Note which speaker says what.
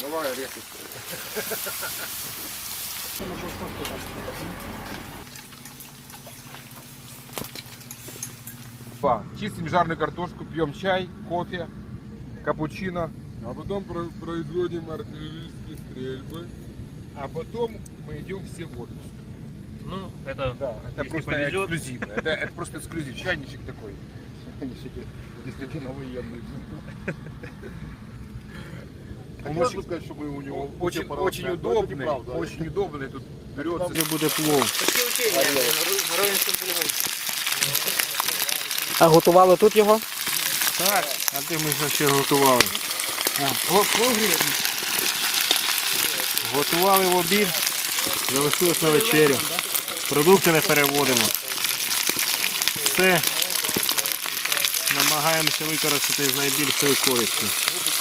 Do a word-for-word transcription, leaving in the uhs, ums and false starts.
Speaker 1: Давай резко. Чистим жареную картошку, пьем чай, кофе, капучино.
Speaker 2: А потом про- производим артиллерийские стрельбы.
Speaker 1: А потом мы идем все в отпуск.
Speaker 3: Ну, это,
Speaker 1: Да, это
Speaker 3: если
Speaker 1: просто
Speaker 3: повезет.
Speaker 1: эксклюзивно. Это, это просто эксклюзив. Чайничек такой. Чайничек действительно военный. Он
Speaker 2: Хотелось
Speaker 1: очень,
Speaker 2: бы сказать, что мы у него
Speaker 1: очень,
Speaker 2: все
Speaker 1: очень
Speaker 2: поросят, но это
Speaker 1: удобный,
Speaker 2: неправда.
Speaker 1: очень удобный. Тут берется.
Speaker 4: Це буде плов.
Speaker 3: Такі учення на Ровенському полігоні.
Speaker 4: А готували тут його? Так. А де ми ще готували? Готували в обід, залишилось на вечерю. Продукти не переводимо. Все намагаємося використати з найбільшою користю.